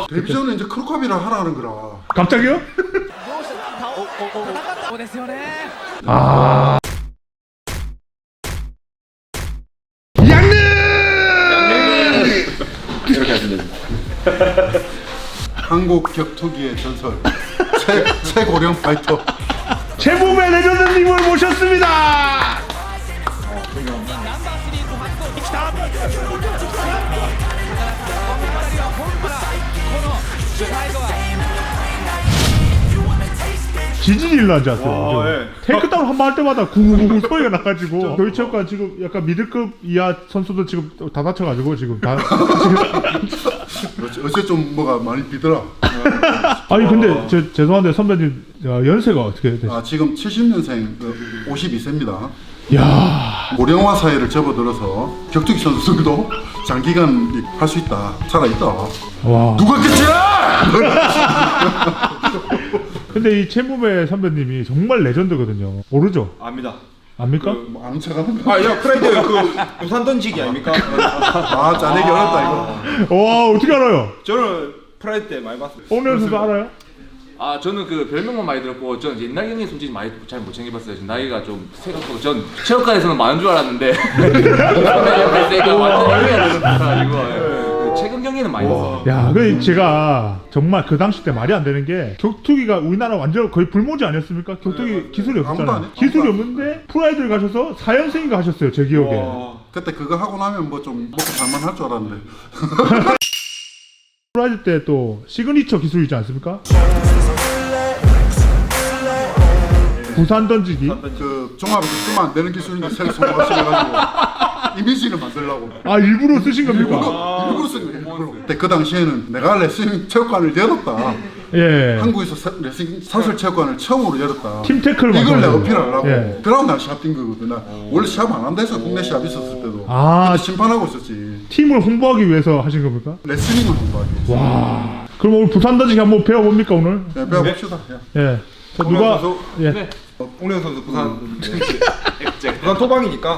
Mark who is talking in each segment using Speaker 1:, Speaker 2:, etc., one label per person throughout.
Speaker 1: 데뷔전은 이제 크루캅이라 하라는 거라.
Speaker 2: 갑자기요? 아. 양릉!
Speaker 3: 이렇게 하시면 됩니다.
Speaker 1: 한국 격투기의 전설 최고령 파이터
Speaker 2: 최고의 레전드님을 모셨습니다. 지진이 일어나지 않았어요?
Speaker 3: 예.
Speaker 2: 테이크다운 한 번 할 때마다 구구구 소리가 나가지고 교육체육관 지금 약간 미들급 이하 선수들 지금 다 다쳐가지고 지금 다
Speaker 1: 어째 좀 뭐가 많이 비더라.
Speaker 2: 아니 근데 죄송한데 선배님 연세가 어떻게 되세요?
Speaker 1: 지금 70년생 52세입니다.
Speaker 2: 야
Speaker 1: 고령화 사회를 접어들어서 격투기 선수들도 장기간 할 수 있다, 살아있다.
Speaker 2: 와.
Speaker 1: 누가 끝이라!
Speaker 2: 근데 이 최무배 선배님이 정말 레전드거든요. 모르죠?
Speaker 3: 압니다.
Speaker 2: 압니까?
Speaker 1: 뭐 아는 척하는 거.
Speaker 3: 야 프라이드 그 부산 던지기 아닙니까?
Speaker 1: 짜내기 어렵다 이거.
Speaker 2: 와 어떻게 알아요?
Speaker 3: 저는 프라이드 때 많이 봤어요.
Speaker 2: 오늘 선수 알아요?
Speaker 4: 아 저는 그 별명만 많이 들었고 전 옛날 경기 솔직히 많이 잘 못 챙겨봤어요. 지금 나이가 좀 생각보다 전 체육관에서는 많은 줄 알았는데 제가 완전 애매해야 되는 최근 경기는 많이 봤어요.
Speaker 2: 야, 그 제가 정말 그 당시 때 말이 안 되는 게 격투기가 우리나라 완전 거의 불모지 아니었습니까? 격투기 기술이
Speaker 1: 아무도 안
Speaker 2: 없잖아요.
Speaker 1: 해.
Speaker 2: 기술이
Speaker 1: 아무도
Speaker 2: 없는데 프라이드를 가셔서 4연승인가 하셨어요, 제 기억에.
Speaker 1: 그때 그거 하고 나면 뭐 좀 먹고 살만할 줄 알았는데.
Speaker 2: 프라이드 때 또 시그니처 기술이지 않습니까? 부산 던지기.
Speaker 1: 그 종합에서 쓰면 안 되는 기술인데 새로 성공하셔가지고 이미지를 만들려고.
Speaker 2: 아 일부러 쓰신 겁니까?
Speaker 1: 일부러 쓴 거예요. 일부러. 근데 그 당시에는 내가 레슬링 체육관을 열었다.
Speaker 2: 예.
Speaker 1: 한국에서 레슬링 사설 체육관을 처음으로 열었다.
Speaker 2: 팀 태클을
Speaker 1: 이걸 내가
Speaker 2: 만들어요.
Speaker 1: 어필하려고.
Speaker 2: 예.
Speaker 1: 그러고 난 시합 뛴 거거든. 나 원래 시합 안 한다 해서 국내 시합 있었을 때도.
Speaker 2: 아.
Speaker 1: 그때 심판하고 있었지.
Speaker 2: 팀을 홍보하기 위해서 하신 겁니까?
Speaker 1: 레슬링을 공부하기 위해서.
Speaker 2: 와. 그럼 오늘 부산 던지기 한번 배워봅니까 오늘?
Speaker 1: 네, 배워봅시다. 예.
Speaker 2: 예. 저 누가?
Speaker 3: 선수?
Speaker 2: 예.
Speaker 4: 네.
Speaker 3: 옹련 선수 부산 부산 토방이니까.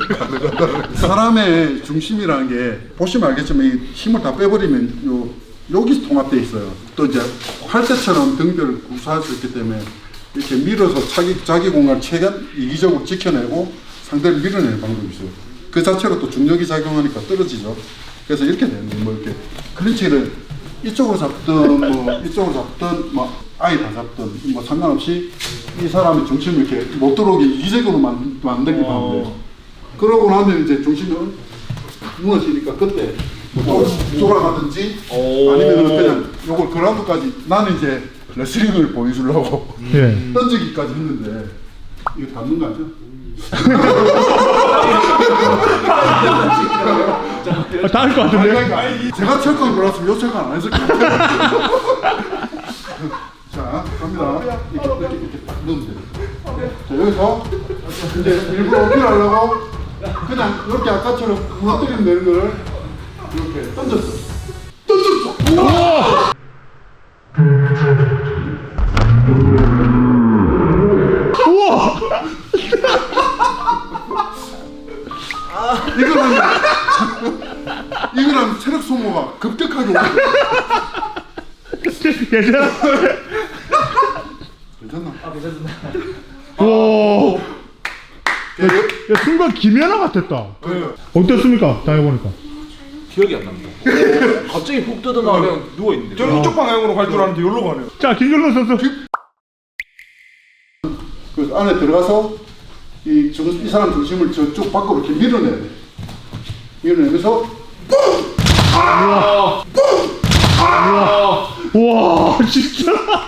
Speaker 1: 사람의 중심이라는 게 보시면 알겠지만 이 힘을 다 빼버리면 여기 통합돼 있어요. 또 이제 활대처럼 등뼈를 구사할 수 있기 때문에 이렇게 밀어서 자기 공간을 최대한 이기적으로 지켜내고 상대를 밀어내는 방법이 있어요. 그 자체로 또 중력이 작용하니까 떨어지죠. 그래서 이렇게 되는 거예요. 뭐 이렇게 클린치를 이쪽으로 잡든 뭐 이쪽으로 잡든 뭐 아예 다 잡든 뭐 상관없이 이 사람의 중심을 이렇게 못 들어오게 이기적으로 만들기만 하면 돼요. 그러고 나면 이제 중심이 무너지니까 그때 뭐 돌아가든지 아니면 그냥 요걸 그라운드까지 나는 이제 레슬링을 보여주려고
Speaker 2: 예.
Speaker 1: 던지기까지 했는데 이거 닿는 거 아니야?
Speaker 2: 다할 것 같은데?
Speaker 1: 제가 체육관 들어왔으면 요 체육관 안 했을 거예요. 자, 갑니다. 이렇게 딱 넣으면 돼요. 자, 여기서 이제 일부러 어필하려고 그냥 이렇게 아까처럼 무너뜨리면 되는 거를 이렇게 던졌어. 던졌어!
Speaker 2: 우와!
Speaker 1: 이거는 체력 소모가 급격하게 오거든.
Speaker 2: 괜찮아?
Speaker 1: 괜찮나?
Speaker 2: 오. 야, 순간 김연아 같았다. 어땠습니까? 당해보니까.
Speaker 4: 기억이 안 납니다. 갑자기 푹 뜯어나와 그냥 누워 있는데.
Speaker 3: 저는 이쪽 방향으로 갈 줄 알았는데 여기로 가네요.
Speaker 2: 자, 김준호 선수.
Speaker 1: 그래서 안에 들어가서 이 사람 중심을 저쪽 밖으로 이렇게 밀어내야 돼. 밀어내면서
Speaker 2: 와, 진짜.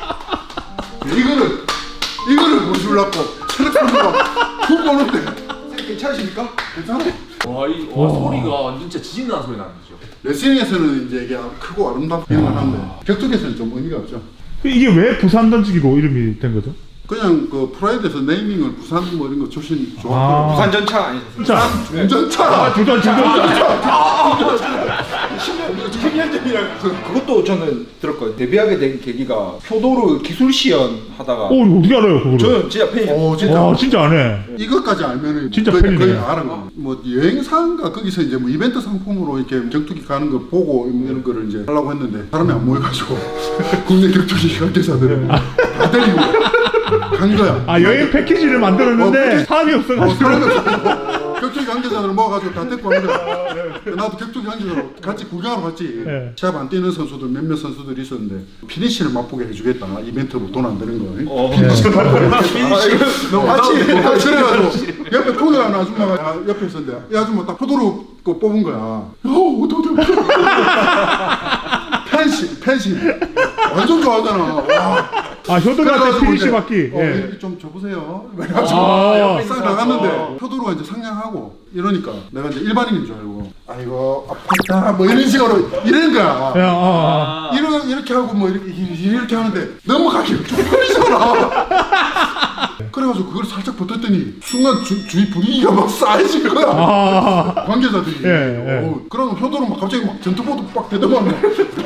Speaker 1: 이거를 보여주려고 체력 소모가 훅 오는데.
Speaker 3: 괜찮으십니까?
Speaker 1: 괜찮아?
Speaker 4: 와 소리가 완전 진짜 지진 나는 소리 나는 거죠.
Speaker 1: 레슬링에서는 이제 이게 크고 아름답기만 한데 격투기에서는 좀 의미가 없죠.
Speaker 2: 이게 왜 부산 던지기로 이름이 된 거죠?
Speaker 1: 그냥 그 프라이드에서 네이밍을 부산 뭐 이런 거 출신 좋았고
Speaker 3: 부산 전차 아니셨어요?
Speaker 2: 자,
Speaker 1: 운전차
Speaker 2: 부산 진짜.
Speaker 3: 10년 전이랑 그것도 저는 들었거든요. 데뷔하게 된 계기가 표도로 기술 시연 하다가
Speaker 2: 어떻게 알아요 그거를?
Speaker 3: 저는 진짜 팬이에요.
Speaker 1: 진짜.
Speaker 2: 와 진짜 안 해.
Speaker 1: 이것까지 알면은
Speaker 2: 진짜
Speaker 1: 거의,
Speaker 2: 팬이네.
Speaker 1: 거의 알아. 뭐 여행사인가 거기서 이제 뭐 이벤트 상품으로 이렇게 격투기 가는 거 보고 이런 거를 이제 하려고 했는데 사람이 안 모여가지고 국내 격투기 관계자들은 다 데리고 간 거야.
Speaker 2: 아 여행 패키지를 만들었는데 사람이 없어가지고.
Speaker 1: 사람이 없어. 격투기 관계자들을 모아가지고 다 데리고 간 거야. 나도 격투기 관계자로 같이 구경하러 갔지.
Speaker 2: 네.
Speaker 1: 시합 안 뛰는 선수들 몇몇 선수들이 있었는데 피니시를 맛보게 해주겠다. 이벤트로 돈 안 드는 거. 그래가지고 옆에 포기하는 아줌마가 옆에 있었는데 이 아줌마 딱 포도로 거 뽑은 거야. 어떡해. 팬심 완전 좋아하잖아. 와.
Speaker 2: 아 효도한테
Speaker 1: 그래가지고
Speaker 2: 피니시
Speaker 1: 이제,
Speaker 2: 받기. 예.
Speaker 1: 여기 좀 줘보세요. 그래가지고 싹 나갔는데 표도로가 이제 상냥하고 이러니까 내가 이제 일반인인 줄 알고 아이고 아프다 뭐 이런 식으로 이러는 거야.
Speaker 2: 야,
Speaker 1: 이렇게 하고 뭐 이렇게 하는데 넘어가기 쪽팔리잖아. 그래가지고 그걸 살짝 버텼더니 순간 주위 분위기가 막 싸해진 거야. 관계자들이.
Speaker 2: 예.
Speaker 1: 그럼 효도로 막 갑자기 막 전투보드 빡 대더만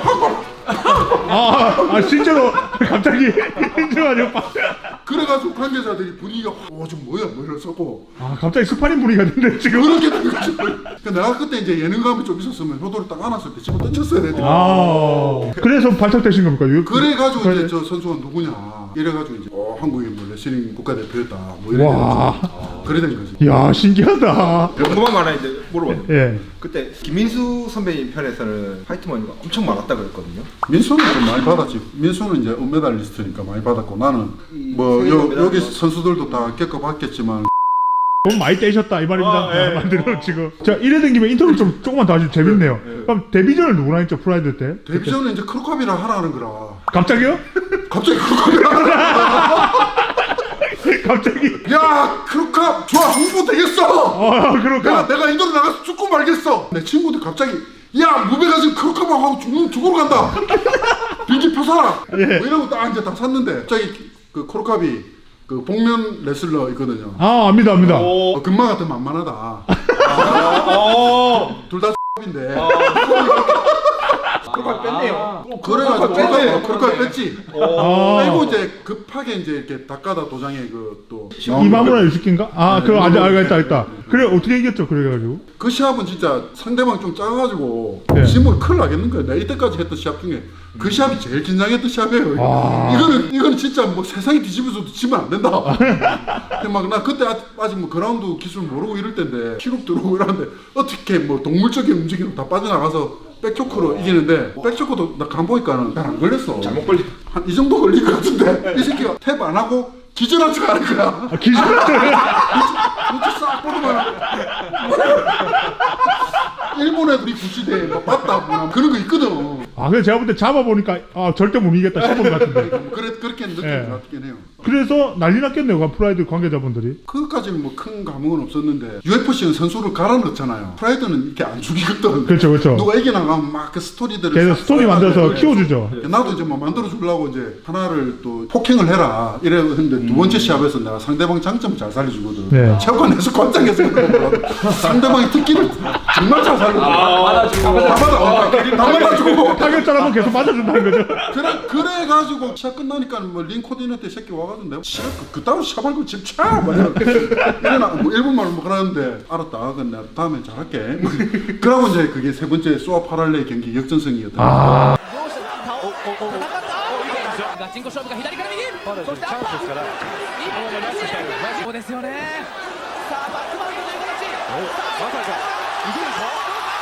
Speaker 2: 실제로 갑자기 힘들어가지고
Speaker 1: 그래가지고 관계자들이 분위기가 좀 뭐야 뭐 이랬었고
Speaker 2: 갑자기 스파링 분위기가 됐는데 지금.
Speaker 1: 그렇게 된 거지. 그러니까 내가 그때 이제 예능감이 좀 있었으면 효도를 딱 안았을 때 집어 던졌어야 되는데.
Speaker 2: 그래서 발탁되신 겁니까?
Speaker 1: 그래가지고 이제 저 선수가 누구냐 이래가지고 이제 한국이 뭐 레슬링 국가대표였다 뭐 이래 돼가지고 그래 된 거지.
Speaker 2: 야 신기하다.
Speaker 3: 궁금한 거 하나 이제 물어봤는데
Speaker 2: 예.
Speaker 3: 그때 김민수 선배님 편에서는 파이트머니가 엄청 많았다 그랬거든요.
Speaker 1: 민수는 좀 많이 받았지. 민수는 이제 은메달리스트니까 많이 받았고 나는 뭐 여기 선수들도 다 겪어봤겠지만
Speaker 2: 돈 많이 떼셨다 이 말입니다. 만들어 지금. 자 이래 된 김에 인터뷰 좀 조금만 더 하시면 재밌네요. 그럼 데뷔전을 누구랑 했죠 프라이드 때?
Speaker 1: 데뷔전은 이제 크루캅이랑 하라는 거라.
Speaker 2: 갑자기요?
Speaker 1: 갑자기 크루캅이랑 하라는
Speaker 2: 갑자기.
Speaker 1: 야 크루캅 좋아 홍보 되겠어.
Speaker 2: 그럴까?
Speaker 1: 내가 인도로 나가서 죽고 말겠어. 내 친구들 갑자기 야 무배가 지금 크루캅하고 죽으러 간다. 비행기 표 사라. 뭐 이러고 딱 이제 다 샀는데 갑자기 그 크루캅이 그 복면 레슬러 있거든요.
Speaker 2: 압니다.
Speaker 1: 금마 같은 만만하다. 둘 다 인데.
Speaker 3: 그걸 뺐네요.
Speaker 1: 그래가지고
Speaker 3: 뺐네.
Speaker 1: 크루캅 뺐지. 빼고 이제 급하게 이제 이렇게 닭가다 도장에 그또
Speaker 2: 이마무라 유스키인가? 그거 알겠다. 그래 어떻게 이겼죠? 그래가지고.
Speaker 1: 그 시합은 진짜 상대방 좀 작아가지고
Speaker 2: 네.
Speaker 1: 지면 큰일 나겠는 거야. 내가 이때까지 했던 시합 중에 그 시합이 제일 긴장했던 시합이에요. 이거는 진짜 뭐 세상이 뒤집어져도 지면 안 된다. 막 나 그때 아직 뭐 그라운드 기술 모르고 이럴 때인데 키록 들어오고 이러는데 어떻게 뭐 동물적인 움직임 다 빠져나가서 백초크로 이기는데 백초크도 나 간보니까는 잘 안 걸렸어.
Speaker 3: 잘못 걸리.
Speaker 1: 한 이 정도 걸린 것 같은데 이 새끼가 탭 안 하고 기절한 척 하는 거야. 눈치 싹 보더만. 일본 애들이 구시대에 막 봤다 뭐 그런 거 있거든.
Speaker 2: 그래서 제가 볼 때 잡아보니까 절대 못 이기겠다 싶은 것 같은데.
Speaker 1: 그렇게 느낌이 났긴 해요.
Speaker 2: 그래서 난리 났겠네요 프라이드 관계자분들이.
Speaker 1: 그것까지는 뭐 큰 감흥은 없었는데 UFC는 선수를 갈아 넣잖아요. 프라이드는 이렇게 안 죽이거든.
Speaker 2: 그렇죠.
Speaker 1: 누가 이겨나가면 막 그 스토리들을
Speaker 2: 계속 스토리 만들어서 키워주죠.
Speaker 1: 나도 이제 뭐 만들어 주려고 이제 하나를 또 폭행을 해라 이래 했는데 두 번째 시합에서 내가 상대방 장점을 잘 살려주거든.
Speaker 2: 네.
Speaker 1: 체육관에서 관장에서 상대방의 특기를 정말 잘 살려줘. 다 맞아주고.
Speaker 2: 타격자라면 계속 맞아준다는 거죠.
Speaker 1: 그래가지고 시합 끝나니까 뭐 링 코디네이터 새끼 와가지고 내가 시합 그따로 시합할 거 집 차! 막 이러나 뭐 일본말로 뭐 그러는데 알았다. 그럼 내가 다음에 잘할게. 그러고 이제 그게 세 번째 소아 파랄레 경기 역전승이었다.
Speaker 5: ガチンコ勝負が左から右そしてアッパーそうですよねさあバックマウントという形まさかいくんですか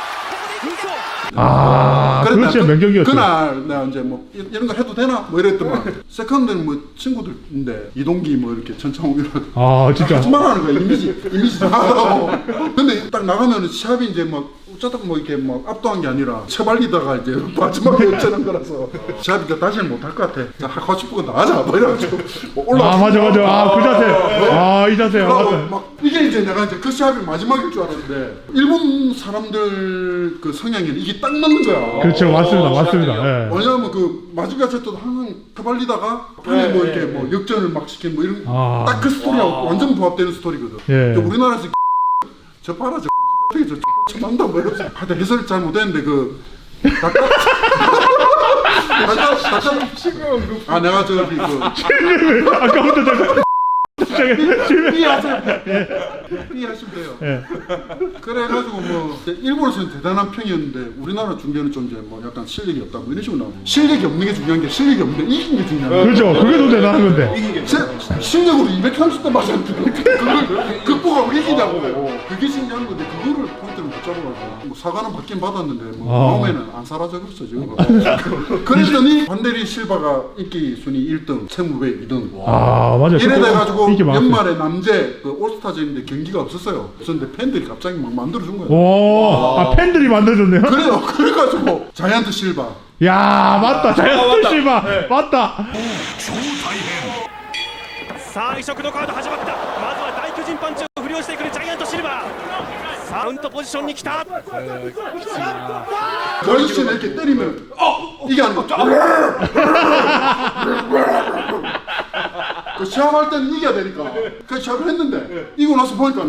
Speaker 2: 그거 진짜 명경기였죠.
Speaker 1: 그날 내가 이제 뭐 이런 거 해도 되나? 뭐 이랬더만 세컨드는 뭐 친구들인데 이동기 뭐 이렇게 천창욱이라고
Speaker 2: 진짜.
Speaker 1: 거짓말하는 거야. 이미지 나가고. 근데 딱 나가면은 시합이 이제 막 어쩌다 뭐 이렇게 막 압도한 게 아니라 처발리다가 이제 마지막에 역전한 거라서 시합이니까 다시는 못할 것 같아. 자 하고 싶은 거 나가자 뭐 이래가지고 올라.
Speaker 2: 맞아. 그 자세. 이 자세.
Speaker 1: 그러고
Speaker 2: 맞아.
Speaker 1: 막 이게 이제 내가 이제 그 시합이 마지막일 줄 알았는데 일본 사람들 그 성향에는 이게 딱 맞는 거야.
Speaker 2: 그렇죠. 맞습니다. 예.
Speaker 1: 왜냐면 그 마지막 세트도 항상 터발리다가 판에 뭐 이렇게 뭐 역전을 막 시킨 뭐 이런 딱 그 스토리하고 완전 부합되는 스토리거든. 근데 우리나라에서 저 봐라 저 같은 저 만다 뭐 이러면서 하여튼 해설을 잘 못했는데 그 아 내가 저기 그
Speaker 2: 아까부터 제가
Speaker 1: 이해하시면 돼요.
Speaker 2: 예.
Speaker 1: 그래가지고 뭐 일본에서는 대단한 평이었는데 우리나라 중계는 좀 이제 뭐 약간 실력이 없다 뭐 이런 식으로 나오고 실력이 없는 게 중요한 게 실력이 없는데 이긴 게 중요한 거야.
Speaker 2: 그렇죠. 그게 더 대단한 건데.
Speaker 1: 실력으로 230대 맞았는데 그걸 극복하고 이기냐고 그게 신기한 건데 그거를 포인트를 못 잡아가지고 뭐 사과는 받긴 받았는데 뭐 마음에는 안 사라져버렸어 지금. 그랬더니 반데리 실바가 인기 순위 1등, 채무배 2등.
Speaker 2: 아 맞아.
Speaker 1: 이래 돼가지고
Speaker 2: 인기 많았어요.
Speaker 1: 연말에 남재 그 올스타전인데 경기가 없었어요. 없었는데 팬들이 갑자기 막 만들어준 거예요.
Speaker 2: 오, 아 팬들이 만들어줬네요.
Speaker 1: 그래요. 그래가지고 자이언트 실바.
Speaker 2: 야 맞다. 자이언트 실바 맞다.
Speaker 6: さあ異色のカード始まった。まずは大巨人パンチを振り下ろしてくるジャイアントシルバー。さあカウントポジションに来た。
Speaker 1: 그 아저씨는 이렇게 때리면 이게 아니고 그 시합할 때는 이겨야 되니까 그 시합을 했는데 이고 나서 보니까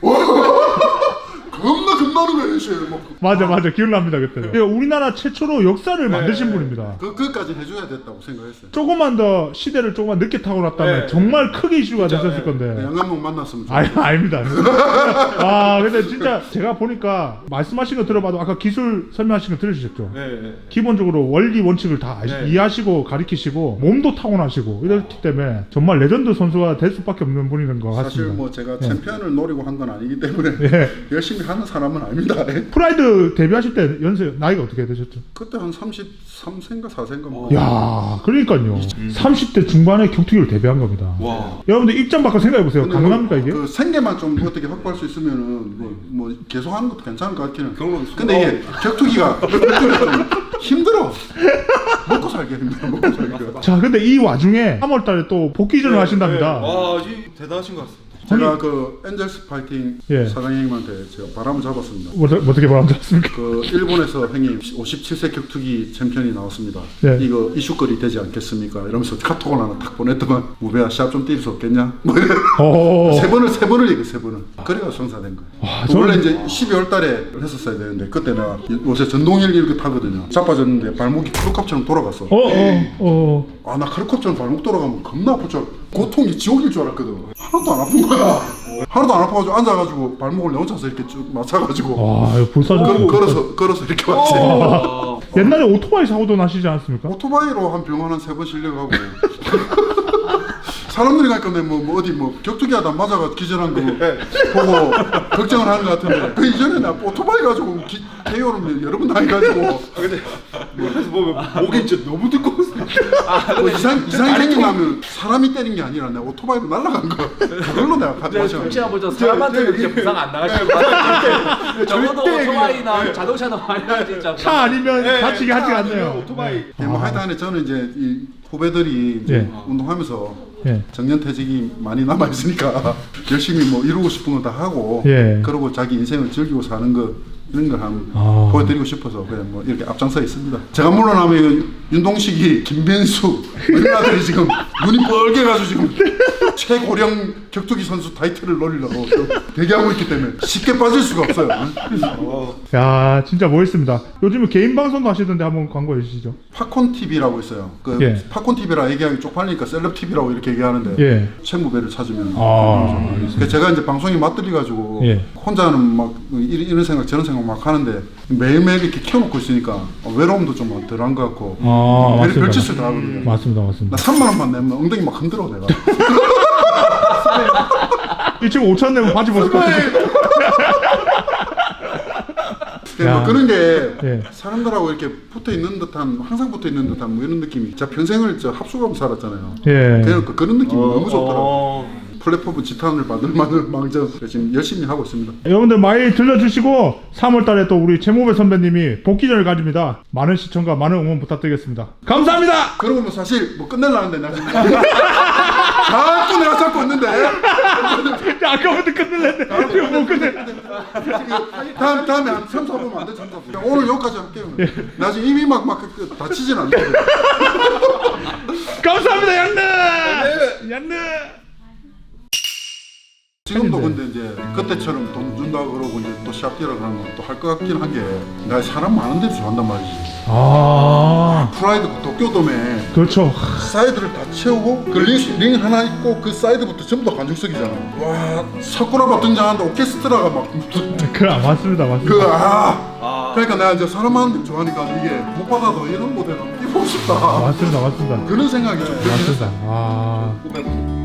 Speaker 1: 겁나 겁나는 거예요 씨. 뭐
Speaker 2: 맞아 기억납니다 그때. 우리나라 최초로 역사를 만드신 분입니다.
Speaker 1: 그것까지 해줘야 됐다고 생각했어요.
Speaker 2: 조금만 더 시대를 조금만 늦게 타고났다면 정말 크게 이슈가 됐었을 건데.
Speaker 1: 양한목 만났으면 좋겠어요.
Speaker 2: 아닙니다. 아 근데 진짜 제가 보니까 말씀하신 거 들어봐도 아까 기술 설명하신 거 들으셨죠?
Speaker 3: 네.
Speaker 2: 기본적으로 원리 원칙을 다 이해하시고 가리키시고 몸도 타고나시고 이렇기 때문에 정말 레전드 선수가 될 수밖에 없는 분인 것 같습니다.
Speaker 1: 사실 뭐 제가 챔피언을 노리고 한 건 아니기 때문에 열심히 하는 사람은 아닙니다.
Speaker 2: 프라이드 데뷔하실 때 연세 나이가 어떻게 되셨죠?
Speaker 1: 그때 한 33세인가 4세인가 뭐.
Speaker 2: 야, 그러니까요. 30대 중반에 격투기를 데뷔한 겁니다. 여러분들 입장 바꿔 생각해 보세요.
Speaker 1: 근데
Speaker 2: 가능합니까
Speaker 1: 뭐
Speaker 2: 이게?
Speaker 1: 그 생계만 좀 어떻게 확보할 수 있으면은 뭐 계속 하는 것도 괜찮을 것 같기는. 근데 이게 격투기가 좀 힘들어. 먹고 살기 힘들어. 먹고 살기가.
Speaker 2: 자, 근데 이 와중에 3월달에 또 복귀전을 하신답니다.
Speaker 3: 와, 대단하신 것 같습니다.
Speaker 1: 제가 그 엔젤스 파이팅
Speaker 2: 예.
Speaker 1: 사장님한테 제가 바람을 잡았습니다.
Speaker 2: 어떻게 말하셨습니까?
Speaker 1: 그 일본에서 형님 57세 격투기 챔피언이 나왔습니다.
Speaker 2: 네.
Speaker 1: 이거 이슈거리 되지 않겠습니까? 이러면서 카톡을 하나 딱 보냈더만 무배야 시합 좀 뛸 수 없겠냐? 뭐 이래. 세 번을 얘기해 세 번을. 그래가 성사된 거예요.
Speaker 2: 와,
Speaker 1: 원래 이제 12월 달에 했었어야 되는데 그때 내가 요새 전동일 이렇게 타거든요. 자빠졌는데 발목이 크루캅처럼 돌아갔어. 아 나 크루캅처럼 발목 돌아가면 겁나 아플 줄 알고 고통이 지옥일 줄 알았거든. 하나도 안 아픈 거야. 하나도 안 아파가지고 앉아가지고 발목을 내 혼자서 이렇게 쭉 맞춰가지고
Speaker 2: 와, 이거 불사조.
Speaker 1: 걸어서 이렇게 왔지.
Speaker 2: 옛날에 오토바이 사고도 나시지 않았습니까?
Speaker 1: 오토바이로 한 병원 한 3번 실려가고 사람들이 가니까 뭐 어디 뭐 격투기 하다 맞아가 기절한 거 보고 걱정을 하는 것 같은데 그 이전에 나 오토바이 가지고 KO를 여러 번 당해가지고
Speaker 3: 근데 그래서 보면 목이 진짜 너무 두꺼웠어.
Speaker 1: 뭐 이상이 생기면 사람이 때린 게 아니라 내가 오토바이로 날아간 거 그걸로 내가 맞아.
Speaker 4: 혹시나 보죠 사람한테는 진짜 부상 안 나가실 것 같아요. 적어도 오토바이나 자동차나 많이 진짜.
Speaker 2: 차 아니면 다치게 하지 않네요.
Speaker 3: 오토바이.
Speaker 1: 뭐 하여튼 저는 이제 이 후배들이 이제
Speaker 2: 예.
Speaker 1: 운동하면서
Speaker 2: 예.
Speaker 1: 정년퇴직이 많이 남아 있으니까 열심히 뭐 이루고 싶은 거 다 하고
Speaker 2: 예.
Speaker 1: 그러고 자기 인생을 즐기고 사는 거 이런 걸 한번 보여드리고 싶어서 그냥 뭐 이렇게 앞장서 있습니다. 제가 물러나면 윤동식이, 김ben수 이런 아들이 지금 눈이 뻘개가지고 지금 최고령 격투기 선수 타이틀을 노리려고 대기하고 있기 때문에 쉽게 빠질 수가 없어요.
Speaker 2: 야, 진짜 멋있습니다. 요즘에 개인 방송도 하시던데 한번 광고해 주시죠.
Speaker 1: 팝콘 TV라고 있어요. 그
Speaker 2: 예.
Speaker 1: 팝콘 TV라 얘기하기 쪽팔리니까 셀럽 TV라고 이렇게 얘기하는데
Speaker 2: 예.
Speaker 1: 채무배를 찾으면.
Speaker 2: 알겠습니다.
Speaker 1: 그래서 제가 이제 방송에 맞들려가지고
Speaker 2: 예.
Speaker 1: 혼자는 막 이런 생각 저런 생각 막 하는데 매일매일 이렇게 키워놓고 있으니까 외로움도 좀 덜한 것 같고
Speaker 2: 맞습니다.
Speaker 1: 별짓을 다 하거든요.
Speaker 2: 맞습니다.
Speaker 1: 나 3만 원만 내면 엉덩이 막 흔들어 내가.
Speaker 2: 이 친구 5천 내면 바지 벗을 것 같아.
Speaker 1: 뭐 그런 게
Speaker 2: 예.
Speaker 1: 사람들하고 이렇게 붙어 있는 듯한 항상 붙어 있는 듯한 뭐 이런 느낌이. 제가 평생을 저 합숙하고 살았잖아요.
Speaker 2: 예.
Speaker 1: 그러니까 그런 느낌이 너무 좋더라고. 플랫폼 지탄을 받을 만한 망정 지금 열심히 하고 있습니다.
Speaker 2: 여러분들 많이 들려주시고 3월달에 또 우리 최무배 선배님이 복귀전을 가집니다. 많은 시청과 많은 응원 부탁드리겠습니다. 감사합니다.
Speaker 1: 그러고 뭐 사실 뭐 끝내려는데 나 지금 자꾸 내가 잡고 있는데
Speaker 2: 아까부터 끝낼랬는데 이거 못 끝내.
Speaker 1: 다음에 한 3, 4분 안 돼. 3, 4분. 오늘 여기까지 할게요. 나 지금 입이 막 다치진 않는데.
Speaker 2: 감사합니다 양느. 양느.
Speaker 1: 지금도
Speaker 2: 팬인데.
Speaker 1: 근데 이제 그때처럼 돈 준다 그러고 이제 또 시합 뛰러 가는 건 또 할 것 같긴 한 게 나 사람 많은 데서 좋아한단 말이지.
Speaker 2: 아
Speaker 1: 프라이드 도쿄돔에
Speaker 2: 그렇죠.
Speaker 1: 사이드를 다 채우고 그 링 하나 있고 그 사이드부터 전부 다 관중석이잖아. 와 사쿠라바 등장하는데 오케스트라가 막
Speaker 2: 맞습니다.
Speaker 1: 그러니까 내가 이제 사람 많은 데 좋아하니까 이게 못 받아도 이런 무대는 뛰고 싶다.
Speaker 2: 맞습니다.
Speaker 1: 그런 생각이 좀 들긴
Speaker 2: 맞습니다.
Speaker 1: 했어.
Speaker 2: 아.
Speaker 3: 보면